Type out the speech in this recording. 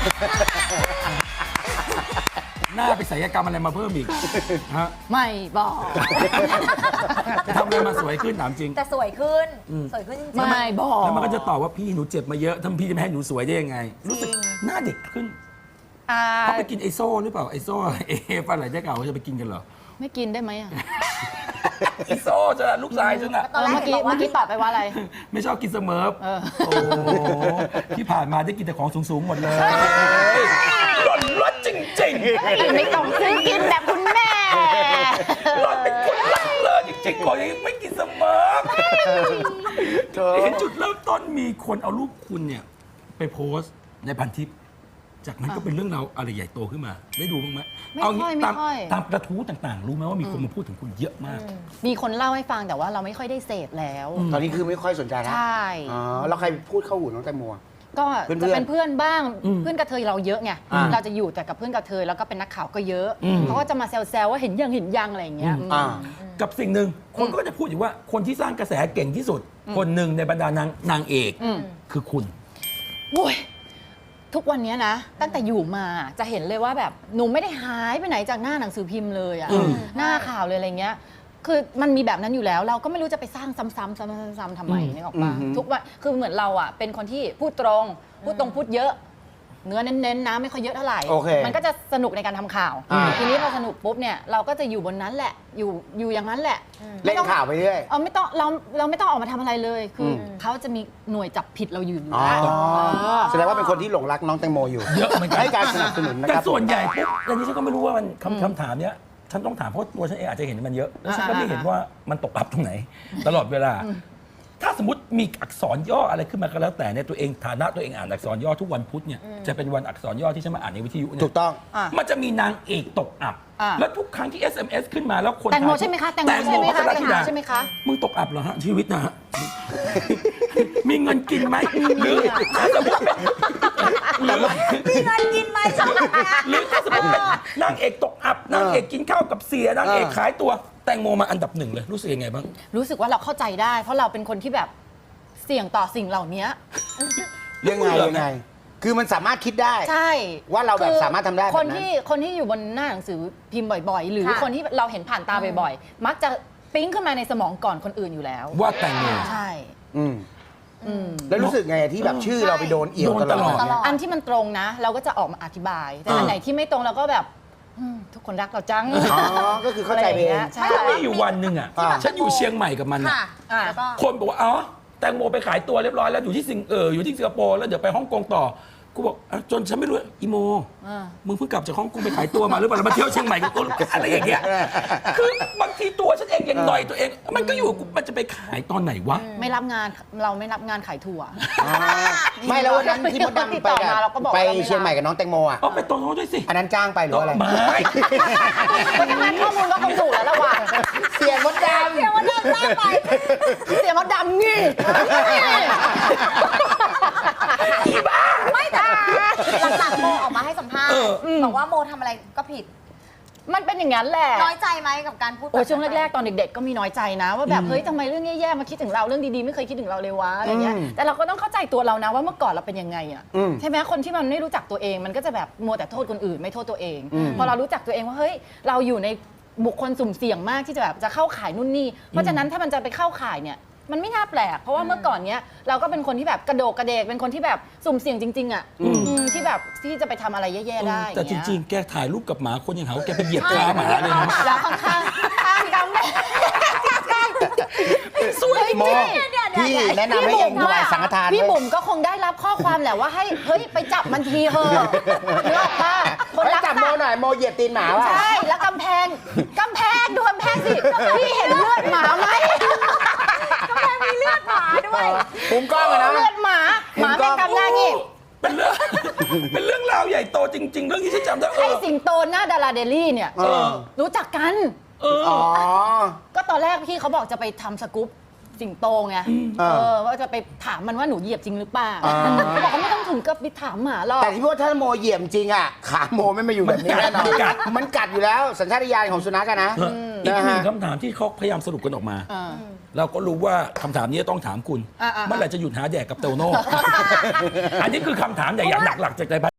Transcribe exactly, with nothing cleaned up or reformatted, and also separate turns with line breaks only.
หน้าไปศัลยกรรมอะไรมาเพิ่มอีกฮะ
ไม่บอก
จะทำอะไรมาสวยขึ้นถามจริง
แต่สวยขึ้นสวยขึ้นจริงๆ
ไม่บอก
แล้วมันก็จะตอบว่าพี่หนูเจ็บมาเยอะทำพี่จะไม่ให้หนูสวยได้ยังไง รู้สึกหน้าเด็กขึ้น
อ่า
เขาไปกินไอโซ่หรือเปล่าไอโซ่เอฟอะไรได้เก่าเขาจะไปกินกันเหรอ
ไม่กินได้ไหมอ่ะ
ไอโซ่จะลูกชายฉันอะ
ตอนแรก
เมื่อกี้
เห็นบอกว่า
เมื่อกี้ตอบไปว่าอะไร
ไม่ชอบกินเสเมอ
เออ
โอ้ที่ผ่านมาได้กินแต่ของสูงๆหมดเลยหล่อนรสจริงๆ
ไม่ต้องซื้อกินแบบคุณแม่
หล่อนเป็นคนรักเลยจริงๆก่อนยังไม่กินเสมอเห็นจุดเริ่มต้นมีคนเอารูปคุณเนี่ยไปโพสต์ในพันทิปจากนั้นก็เป็นเรื่องราวอะไรใหญ่โตขึ้นมา ได้ดูบ้างไหม
ไม่
เอา
ค่อย
งี้
ไม่
ตาม
ค่อย
ตามกระทู้ต่างๆ รู้ไหมว่ามีคนมาพูดถึงคุณเยอะมาก
มีคนเล่าให้ฟังแต่ว่าเราไม่ค่อยได้เสพแล้ว
ตอนนี้คือไม่ค่อยสนใจแล้ว
ใช่
อ๋อแล้วใครพูดเข้าหูน้องแตงโมอะ
ก็
เพื่อนๆ
จะเป็นเพื่อนบ้าง
อืม
เพื่อนกระเทยเราเยอะไง
อ่า
เราจะอยู่แต่กับเพื่อนกระเทยแล้วก็เป็นนักข่าวก็เยอะ
อืม
เขาก็จะมาแซวๆว่าเห็นยังเห็นยังอะไรอย่างเงี้ย
อ่า
กับสิ่งหนึ่งคนก็จะพูดอยู่ว่าคนที่สร้างกระแสเก่งที่สุด คนหนึ่งในบรรดานางนางเอก
อืม
คือคุณ
โอ้ยทุกวันเนี้ยนะ ตั้งแต่อยู่มาจะเห็นเลยว่าแบบหนูไม่ได้หายไปไหนจากหน้าหนังสือพิมพ์เลยอะ
อืม
หน้าข่าวเลยอะไรเงี้ย คือมันมีแบบนั้นอยู่แล้ว เราก็ไม่รู้จะไปสร้างซ้ำๆซ้ำๆทำไมนึกออกปะ
อืม
ทุกวันคือเหมือนเราอะเป็นคนที่พูดตรงพูดตรงพูดเยอะ เนื้อเน้นๆนะไม่ค่อยเยอะเท่าไหร่
โอเค
มันก็จะสนุกในการทำข่าว
อ่า
ทีนี้พอสนุกปุ๊บเนี่ยเราก็จะอยู่บนนั้นแหละอยู่อยู่อย่างนั้นแหละ
เล่นข่าวไปเรื่อย
เออไม่ต้องเราเราไม่ต้องออกมาทำอะไรเลย คืออ
ม
เขาจะมีหน่วยจับผิดเราอยู่อยู่
อ๋อ
แล้ว
แสดงว่าเป็นคนที่หลงรักน้องแตงโมอยู่
เยอะเหมือนกัน
ให้การสนับสนุนนะ
แต่
ครับ
ส่วนใหญ่ปุ๊บอันนี้ฉันก็ไม่รู้ว่ามันคำคำถามเนี้ยฉันต้องถามเพราะตัวฉันเองอาจจะเห็นมันเยอะแล้วฉันก็ไม่เห็นว่ามันตกอับตรงไหน ตลอดเวลา ถ้าสมมติมีอักษรย่ออะไรขึ้นมาก็แล้วแต่เนี่ยตัวเองฐานะตัวเองอ่านอักษรย่อทุกวันพุธเนี่ยจะเป็นวันอักษรย่อที่ฉันมาอ่านในวิทยุเนี่
ถู
ย
กต้อง
อ่ะ
มันจะมีนางเอกตกอับ
อ่ะ
แล้วทุกครั้งที่ เอส เอ็ม เอส ขึ้นมาแล้วคน
แตงโม
ถ่าย
ใช่ไหมคะแตงโมใช่ไหมคะ
แตงโม
แตงโมใช่ไหมคะ
มึงตกอับเหรอฮะชีวิตนะฮะ มีเงินกินไหมหรือถ้าสมมติเป็นหรือ
มีเงินกินไหมชอบแบบนี้
หรือถ้าสมมติเป็นนางเอกตกอับนางเอกกินข้าวกับเสียนางเอกขายตัวแตงโมมาอันดับหนึ่งเลยรู้สึกยังไงบ้าง
รู้สึกว่าเราเข้าใจได้ เพราะเราเป็นคนที่แบบเสี่ยงต่อสิ่งเหล่านี้
ยังไงยังไง คือมันสามารถคิดได้
ใช่
ว่าเราแบบ
คือ
สามารถทำได้แบบ
ค
นั้น
นที่คนที่อยู่บนหน้าหนังสือพิมพ์บ่อยๆ หรือคนที่เราเห็นผ่านตาบ่อยๆ มักจะปิ๊งขึ้นมาในสมองก่อนคนอื่นอยู่แล้ว
ว่าแตงโม
ใช่
อืม
อืม
แล้วรู้สึกไงที่แบบชื่อเราไปโดนเอี่ยว
โดน
ต
ต
ล
ล
อ
อ
ด
ด
เนี่ย
อันที่มันตรงนะ เราก็จะออกมาอธิบาย แต่อันไหนที่ไม่ตรงเราก็แบบอืมทุกคนรักเราจัง
อ๋อ ก็คือเข้าใจไปเอง
ใช่
ก็มีอยู่วันหนึ่งอ่ะ
อ่า
ฉันอยู่เชียงใหม่กับมัน
ค่ะ
อ่ะ
แล้วก็
คนบอกว่าอ๋อแตงโมไปขายตัวเรียบร้อยแล้วอยู่ที่สิงเอออยู่ที่สิงคโปร์แล้วเดี๋ยวไปฮ่องกงต่อกูบอกอ่ะจนฉันไม่รู้อีโม
อ่า
มึงเพิ่งกลับจากฮ่องกงไปขายตัวมาหรือเปล่าแล้วมาเที่ยวเชียงใหม่กับตัวอะไรอย่างเงี้ยคือบางทีตัวฉันเองยังหน่อยตัวเอง มันก็อยู่กับกูมันจะไปขายตอนไหนวะ
ไม่รับงานเราไม่รับงานขายถั่ว
อ๋อไม่แล้ววันนั้นที่มดดำไป
ติดต่อมาเราก็บอก
ไป
ว่าเราไม่รับ
เชียงใหม่กับน้องแตงโมอ่ะ
เอาไปตรงโน้นด้วยสิ
อันนั้นจ้างไปหรืออะไร
ไม่
คนทำงานข้อมูลก็คงถูกแล้วละว่ะ
เสียงมดดำ
เดี๋ยววันเดินหน้าไป
เสียมดดำงี้
ไม่แต่หลังๆโมออกมาให้สัมภาษณ์บอกว่าโมทำอะไรก็ผิด
มันเป็นอย่างนั้นแหละ
น้อยใจไหมกับการพูด
โอ้ยช่วงแรกๆ ตอนเด็กๆ ก็มีน้อยใจนะ ว่าแบบเฮ้ยทำไมเรื่องแย่ๆ มาคิดถึงเราเรื่องดีๆ ไม่เคยคิดถึงเราเลยวะอะไรเงี้ย
อืม
แต่เราก็ต้องเข้าใจตัวเรานะว่าเมื่อก่อนเราเป็นยังไงอ่ะ
อืม
ใช่ไหมคนที่มันไม่รู้จักตัวเองมันก็จะแบบมัวแต่โทษคนอื่นไม่โทษตัวเอง
อืม
พอเรารู้จักตัวเองว่าเฮ้ยเราอยู่ในบุคคลสุ่มเสี่ยงมากที่จะแบบจะเข้าข่ายนู่นนี่เพราะฉะนั้นถ้ามันจะไปเข้าข่ายเนี่ยมันไม่น่าแปลกเพราะว่าเมื่อก่อนเนี้ยเราก็เป็นคนที่แบบกระโดกกระเดกเป็นคนที่แบบสุ่มเสี่ยงจริงๆอ่ะอืมที่แบบที่จะไปทำอะไรแย่ๆได้
แต่จริงๆ แกถ่ายรูปกับหมาคนยังหาว่าแกไปเหยียบขาหมาเลยนะ
ๆแล้วข้างๆข้างดำ
สวย
โมพี่แนะนำให้เองถวายสังฆทาน
พี่
ด้วย
บุ๋มก็คงได้รับข้อความแหละว่าให้เฮ้ยไปจับมันทีเถอะนึกออกปะคน
เฮ้ย
รัก
จับโมหน่อยโมเหยียบตีนหมาว่ะ
ใช่แล้วกำแพงกำแพงดูกำแพงสิพี่เห็นเลือดหมาไหม
กำลังมีเลือดหมาด้วย
ภูมิกล้องอะนะ
เลือดหมาหมาเป็นกำหน้างี้
เป็นเรื่อง เป็นเรื่องราวใหญ่โตจริง ๆ เรื่องที่ฉันจำได้เอ
ไอ้
อ
สิงโตหน้าดาราเดลี่เนี่ย
เออ
รู้จักกัน
เออ
อ๋อ
ก็ตอนแรกพี่เขาบอกจะไปทำสกู๊ปสิงโตไง
เออ
เออว่าจะไปถามมันว่าหนูเหยียบจริงหรือเปล่า
อ่า
เขาบอกเขาไม่ต้องถึงกับไปถามหมาหรอก
แต่ที่พูดว่าถ้าโมเหยียบจริงอ่ะขาโมไม่มาอยู่แบบนี้แน่นอน
มันกัด
มันกัดอยู่แล้วสัญชาตญาณของสุนัขอะนะ
อีก
นะ
หนึ่
ฮะ
งคำถามที่เขาพยายามสรุปกันออกมา
อ่า
เราก็รู้ว่าคำถามนี้ต้องถามคุณ
อ่าๆๆ
เมื่อไหร่จะหยุดหาแดกกับเตโน่ อันนี้คือคำถามใหญ่ๆหลักๆจากใจ